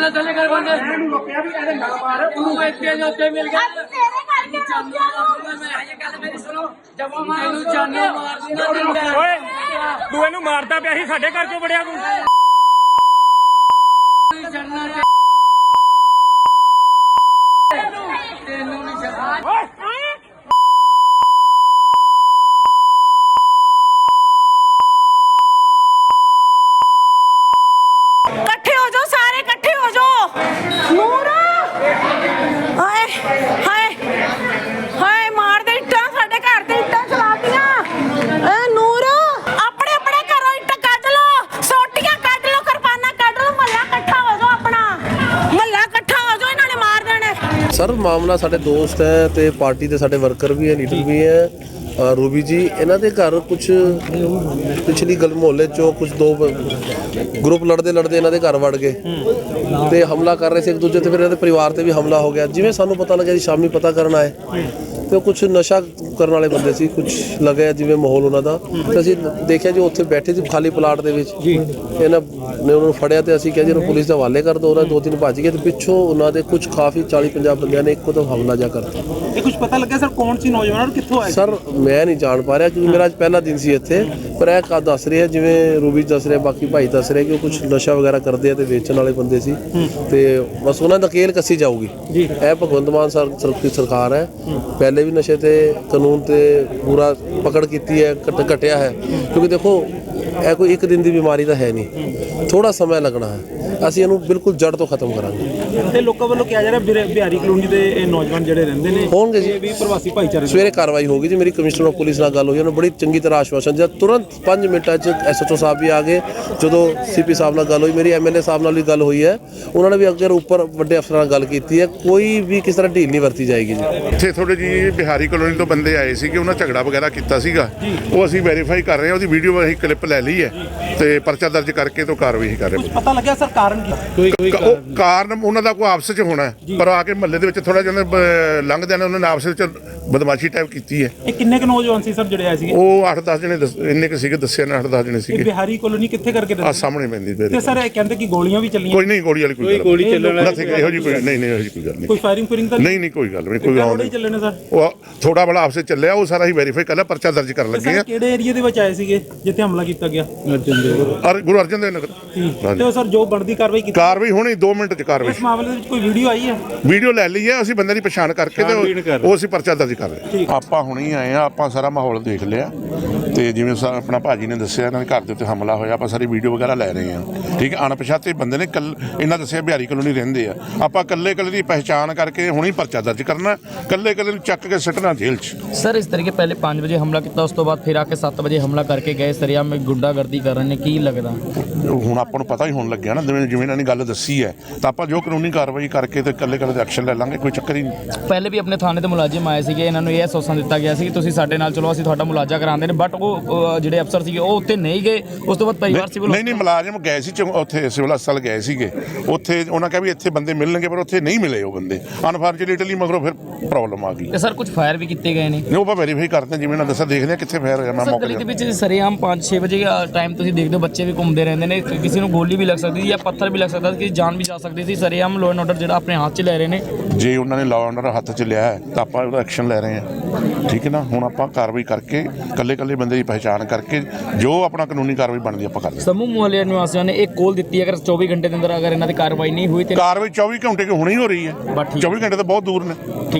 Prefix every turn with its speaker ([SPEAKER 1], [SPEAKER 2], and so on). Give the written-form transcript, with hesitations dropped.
[SPEAKER 1] थले कर बंदे रोकया भी ऐसे ना मार तू इतने जो ते मिल गया तेरे करके मैं ये गल मेरी सुनो जब वो मैनू जाने मार दूंगा ओए तू इनु मारदा पिया सी साडे घर क्यों बड़िया तू जन्ना तेनू नहीं छड्डा
[SPEAKER 2] इकट्ठे हो जाओ सारे इकट्ठे हो जाओ नूरा हाय हाय हाय मार दे इट्टां साडे घर ते इट्टां चलातियां ए नूरा अपने अपने घरों इट्ट कट लो सोटियां कट लो किरपाना कट लो महल्ला इकट्ठा हो जाओ अपना महल्ला इकट्ठा हो जाओ इन्होंने मार देने
[SPEAKER 3] सर मामला साडे दोस्त है ते पार्टी दे साडे वर्कर भी है लीडर भी है रूबी जी इन्हों के घर कुछ पिछली गल मुहल्ले चो कुछ दो ग्रुप लड़ते लड़ते इन्हों के घर वड़ गए तो हमला कर रहे थे एक दूजे से फिर इन्होंने परिवार से भी हमला हो गया जिमें सानू पता लगे जी शामी पता करना है तो कुछ नशा करने वाले बंदे सी कुछ लगे जिमें माहौल उन्होंने तो असीं देखिया जो उत्थे बैठे थे खाली प्लाट दे विच इन्होंने उन्होंने फड़िया तो असीं कहा जी पुलिस के हवाले कर दो दो तीन भज गए तो पिछों उन्होंने कुछ काफ़ी 40-50 बंदियां ने एक तो हमला जा कर
[SPEAKER 4] कुछ पता लगा सर कौन सी नौजवान और कित्थों आए
[SPEAKER 3] सर मैं नहीं जान पा रहा क्योंकि मेरा आज पहला दिन सी इत्थे पर यह दस रहे जिवें रूबी दस रहे बाकी भाई दस रहे कि कुछ नशा वगैरह करते हैं तो बेचने वाले बंदे सी ते बस उन्होंने नकेल कसी जाऊगी यह भगवंत मान सरकार है पहले भी नशे ते कानून ते पूरा पकड़ की है घटिया है क्योंकि देखो यह कोई एक दिन की बीमारी तो है नहीं थोड़ा समय लगना है ਅਸੀਂ ਇਹਨੂੰ ਬਿਲਕੁਲ ਜੜ ਤੋਂ ਖਤਮ ਕਰਾਂਗੇ
[SPEAKER 4] ਤੇ ਲੋਕਾਂ ਵੱਲੋਂ ਕਿਹਾ ਜਾ ਰਿਹਾ ਬਿਹਾਰੀ ਕਲੋਨੀ ਦੇ ਇਹ ਨੌਜਵਾਨ ਜਿਹੜੇ ਰਹਿੰਦੇ ਨੇ
[SPEAKER 3] ਹੋਣਗੇ ਜੀ
[SPEAKER 4] ਵੀ ਪ੍ਰਵਾਸੀ ਭਾਈਚਾਰੇ
[SPEAKER 3] ਸਵੇਰੇ ਕਾਰਵਾਈ ਹੋਗੀ ਜੀ ਮੇਰੀ ਕਮਿਸ਼ਨਰ ਆਫ ਪੁਲਿਸ ਨਾਲ ਗੱਲ ਹੋਈ ਉਹਨੇ ਬੜੀ ਚੰਗੀ ਤਰ੍ਹਾਂ ਆਸ਼ਵਾਸਨ ਦਿੱਤਾ ਤੁਰੰਤ 5 ਮਿੰਟਾਂ 'ਚ ਐਸਐਚਓ ਸਾਹਿਬ ਵੀ ਆ ਗਏ ਜਦੋਂ ਸੀਪੀ ਸਾਹਿਬ ਨਾਲ ਗੱਲ ਹੋਈ ਮੇਰੀ ਐਮਐਲਏ ਸਾਹਿਬ ਨਾਲ ਵੀ ਗੱਲ ਹੋਈ ਹੈ ਉਹਨਾਂ ਨੇ ਵੀ ਅੱਗੇ ਉੱਪਰ ਵੱਡੇ ਅਫਸਰਾਂ ਨਾਲ ਗੱਲ ਕੀਤੀ ਹੈ ਕੋਈ ਵੀ ਕਿਸ ਤਰ੍ਹਾਂ ਢੀਲ ਨਹੀਂ ਵਰਤੀ ਜਾਏਗੀ ਜੀ
[SPEAKER 5] ਇੱਥੇ ਥੋੜੇ ਜੀ ਬਿਹਾਰੀ ਕਲੋਨੀ ਤੋਂ ਬੰਦੇ ਆਏ ਸੀ ਕਿ ਉਹਨਾਂ ਝਗੜਾ ਵਗੈਰਾ ਕੀਤਾ ਸੀਗਾ ਉਹ ਅਸੀਂ ਵੈਰੀਫਾਈ ਕਰ ਰਹੇ ਹਾਂ ਉਹਦੀ ਵੀਡੀਓ ਅਸੀਂ ਕਲਿੱਪ ਲੈ ਲਈ ਹੈ ਤੇ ਪਰਚਾ ਦਰਜ ਕਰਕੇ ਤੋਂ ਕਾਰਵਾਈ ਕਰ ਰਹੇ ਹਾਂ
[SPEAKER 4] ਪਤਾ ਲੱਗਿਆ ਸਰ ਕਾਰਨ ਕੀ
[SPEAKER 5] ਉਹ ਕਾਰਨ ਉਹਨਾਂ ਦਾ ਕੋਈ ਆਪਸ ਵਿੱਚ ਹੋਣਾ ਪਰ ਆ ਕੇ ਮਹੱਲੇ ਦੇ ਵਿੱਚ ਥੋੜਾ ਜਿਹਾ ਲੰਘਦਿਆਂ ਨੇ ਉਹਨਾਂ ਨੇ ਆਪਸ ਵਿੱਚ ਬਦਮਾਸ਼ੀ ਟਾਈਪ ਕੀਤੀ ਹੈ
[SPEAKER 4] ਇਹ ਕਿੰਨੇ ਕੁ ਨੌਜਵਾਨ ਸੀ ਸਰ ਜਿਹੜੇ ਆਏ ਸੀਗੇ
[SPEAKER 5] ਉਹ 8-10 ਜਣੇ ਇੰਨੇ ਕੁ ਸੀਗੇ ਦੱਸਿਆ ਨਾ 8-10 ਜਣੇ ਸੀਗੇ
[SPEAKER 4] ਬਿਹਾਰੀ ਕਲੋਨੀ ਕਿੱਥੇ ਕਰਕੇ
[SPEAKER 5] ਆ ਸਾਹਮਣੇ ਪੈਂਦੀ
[SPEAKER 4] ਤੇ ਸਰ ਇਹ ਕਹਿੰਦੇ ਕਿ ਗੋਲੀਆਂ ਵੀ ਚੱਲੀਆਂ
[SPEAKER 5] ਕੋਈ ਨਹੀਂ ਗੋਲੀ ਵਾਲੀ ਕੋਈ ਗੋਲੀ ਚੱਲਣ ਇਹੋ ਜੀ ਕੋਈ ਨਹੀਂ ਇਹੋ ਜੀ ਕੋਈ ਗੱਲ ਨਹੀਂ
[SPEAKER 4] ਕੋਈ ਫਾਇਰਿੰਗ ਤਾਂ
[SPEAKER 5] ਨਹੀਂ ਕੋਈ ਗੱਲ ਨਹੀਂ ਕੋਈ
[SPEAKER 4] ਗੋਲੀ ਚੱਲੇ ਨੇ ਸਰ
[SPEAKER 5] ਉਹ ਥੋੜਾ ਬੜਾ ਆਪਸੇ ਚੱਲਿਆ ਉਹ ਸਾਰਾ ਹੀ ਵੈਰੀਫਾਈ ਕਰ ਲਿਆ ਪਰਚਾ ਦਰਜ ਕਰਨ ਲੱਗੇ ਆ
[SPEAKER 4] ਕਿਹੜੇ ਏਰੀਆ ਦੇ ਵਿੱਚ ਆਏ ਸੀਗੇ ਜਿੱਥੇ ਹਮਲਾ ਕੀਤਾ ਗਿਆ
[SPEAKER 5] ਗੁਰੂ ਅਰਜਨ ਦੇਵ ਨਗਰ
[SPEAKER 4] ਤੇ ਸਰ ਜੋ ਬਣਦੀ
[SPEAKER 5] ਕਾਰਵਾਈ ਹੋਣੀ 2 ਮਿੰਟ ਚ ਕਾਰਵਾਈ
[SPEAKER 4] ਇਸ ਮਾਮਲੇ ਵਿੱਚ ਕੋਈ ਵੀਡੀਓ ਆਈ ਹੈ
[SPEAKER 5] ਵੀਡੀਓ ਲੈ ਲਈ ਹੈ ਅਸੀਂ ਬੰਦੇ ਦੀ ਪਛਾਣ ਕਰਕੇ ਤੇ ਉਹ ਅਸੀਂ ਪਰਚਾ ਦਰਜ ਕਰ ਰਹੇ ਆਪਾਂ ਹੁਣੀ ਆਏ ਆ ਆਪਾਂ ਸਾਰਾ ਮਾਹੌਲ ਦੇਖ ਲਿਆ ਤੇ ਜਿਵੇਂ ਆਪਣਾ ਭਾਜੀ ਨੇ ਦੱਸਿਆ ਇਹਨਾਂ ਦੇ ਘਰ ਦੇ ਉੱਤੇ ਹਮਲਾ ਹੋਇਆ ਆਪਾਂ ਸਾਰੀ ਵੀਡੀਓ ਵਗੈਰਾ ਲੈ ਰਹੇ ਹਾਂ ਠੀਕ ਹੈ ਅਣਪਛਾਤੇ ਬੰਦੇ ਨੇ ਇਹਨਾਂ ਦੱਸਿਆ ਬਿਹਾਰੀ ਕਲੋਨੀ ਰਹਿੰਦੇ ਆ ਆਪਾਂ ਕੱਲੇ ਦੀ ਪਹਿਚਾਣ ਕਰਕੇ ਹੁਣੀ ਪਰਚਾ ਦਰਜ ਕਰਨਾ ਕੱਲੇ ਨੂੰ ਚੱਕ ਕੇ ਸੱਟਣਾ ਜੇਲ੍ਹ 'ਚ
[SPEAKER 6] सर इस तरीके पहले 5 बजे हमला किया उस तो बाद फिर आके 7 बजे हमला करके गए सरिया में गुंडागर्दी कर रहे हैं की लगता
[SPEAKER 5] ਹੁਣ ਆਪਾਂ ਨੂੰ ਪਤਾ ਹੀ ਹੋਣ ਲੱਗਿਆ ਨਾ ਜਿਵੇਂ ਇਹਨਾਂ ਨੇ ਗੱਲ ਦੱਸੀ ਹੈ ਤਾਂ ਆਪਾਂ ਜੋ ਕਾਨੂੰਨੀ ਕਾਰਵਾਈ ਕਰਕੇ ਤੇ ਕੱਲੇ ਦੇ ਐਕਸ਼ਨ ਲੈ ਲਾਂਗੇ ਕੋਈ ਚੱਕਰ ਹੀ ਨਹੀਂ
[SPEAKER 6] ਪਹਿਲੇ ਵੀ ਆਪਣੇ ਥਾਣੇ ਤੇ ਮੁਲਾਜ਼ਮ ਆਏ ਸੀਗੇ ਇਹਨਾਂ ਨੂੰ ਇਹ ਅਸੋਸਨ ਦਿੱਤਾ ਗਿਆ ਸੀ ਕਿ ਤੁਸੀਂ ਸਾਡੇ ਨਾਲ ਚਲੋ ਅਸੀਂ ਤੁਹਾਡਾ ਮੁਲਾਜ਼ਾ ਕਰਾਉਂਦੇ ਨੇ ਬਟ ਉਹ ਜਿਹੜੇ ਅਫਸਰ ਸੀਗੇ ਉਹ ਉੱਥੇ ਨਹੀਂ ਗਏ ਉਸ ਤੋਂ ਬਾਅਦ ਪਰਿਵਾਰ ਸਿਵਲ
[SPEAKER 5] ਨਹੀਂ ਮੁਲਾਜ਼ਮ ਗਏ ਸੀ ਉੱਥੇ ਸਿਵਲ ਹਸਪਤਾਲ ਗਏ ਸੀਗੇ ਉੱਥੇ ਉਹਨਾਂ ਕਿਹਾ ਵੀ ਇੱਥੇ ਬੰਦੇ ਮਿਲਣਗੇ ਪਰ ਉੱਥੇ ਨਹੀਂ ਮਿਲੇ ਉਹ ਬੰਦੇ ਅਨਫੋਰਚੂਨੇਟਲੀ ਮਗਰੋਂ ਫਿਰ ਪ੍ਰੋਬਲਮ ਆ ਗਈ
[SPEAKER 6] ਤੇ ਸਰ ਕੁਝ ਫਾਇਰ ਵੀ ਕੀਤੇ ਗਏ ਨੇ
[SPEAKER 5] ਉਹ ਆਪਾਂ ਵੈਰੀਫਾਈ ਕਰਦੇ ਜਿਵੇਂ ਨਾ ਦੱਸਿਆ ਦੇਖਦੇ ਕਿੱਥੇ ਫਾਇਰ ਹੋਇਆ ਮੈਂ ਮੌਕੇ
[SPEAKER 6] ਦੇ ਵਿੱਚ ਸਰੇਆਮ 5-6 ਵਜੇ ਟਾਈਮ ਤੁਸੀਂ ਦੇਖਦੇ ਹੋ ਬੱਚੇ ਵੀ ਘੁੰਮਦੇ ਰਹਿੰਦੇ ਨੇ ਕਿਸੇ ਨੂੰ ਗੋਲੀ ਵੀ ਲੱਗ ਸਕਦੀ ਜਾਂ ਪੱਥਰ ਵੀ ਲੱਗ ਸਕਦਾ ਕਿਸੇ ਜਾਨ ਵੀ ਜਾ ਸਕਦੀ ਸੀ ਸਰੇਆਮ ਲਾਅ ਐਂਡ ਆਰਡਰ ਜਿਹੜਾ ਆਪਣੇ ਹੱਥ 'ਚ ਲੈ ਰਹੇ ਨੇ
[SPEAKER 5] ਜੇ ਉਹਨਾਂ ਨੇ ਲਾਅ ਐਂਡ ਆਰਡਰ ਹੱਥ 'ਚ ਲਿਆ ਹੈ ਤਾਂ ਆਪਾਂ ਉਹਦਾ ਐਕਸ਼ਨ ਲੈ ਰਹੇ ਹਾਂ ਠੀਕ ਹੈ ਨਾ ਹੁਣ ਆਪਾਂ ਕਾਰਵਾਈ ਕਰਕੇ ਕੱਲੇ ਬੰਦੇ ਦੀ ਪਹਿਚਾਣ ਕਰਕੇ ਜੋ ਆਪਣਾ ਕਾਨੂੰਨੀ ਕਾਰਵਾਈ ਬਣਦੀ ਆਪਾਂ ਕਰਦੇ
[SPEAKER 6] ਸਮੂਹ ਮੁਹੱਲੇ ਨਿਵਾਸੀਆਂ ਨੇ ਇੱਕ ਕੋਲ ਦਿੱਤੀ ਅਗਰ 24 ਘੰਟੇ ਦੇ ਅੰਦਰ ਅਗਰ ਇਹਨਾਂ ਦੀ ਕਾਰਵਾਈ ਨਹੀਂ ਹੋਈ ਤੇ
[SPEAKER 5] ਕਾਰਵਾਈ 24 ਘੰਟੇ ਕਿ ਹੁਣੇ ਹੀ ਹੋ ਰਹੀ ਹੈ 24 ਘੰਟੇ ਤਾਂ ਬਹੁਤ ਦੂਰ ਨੇ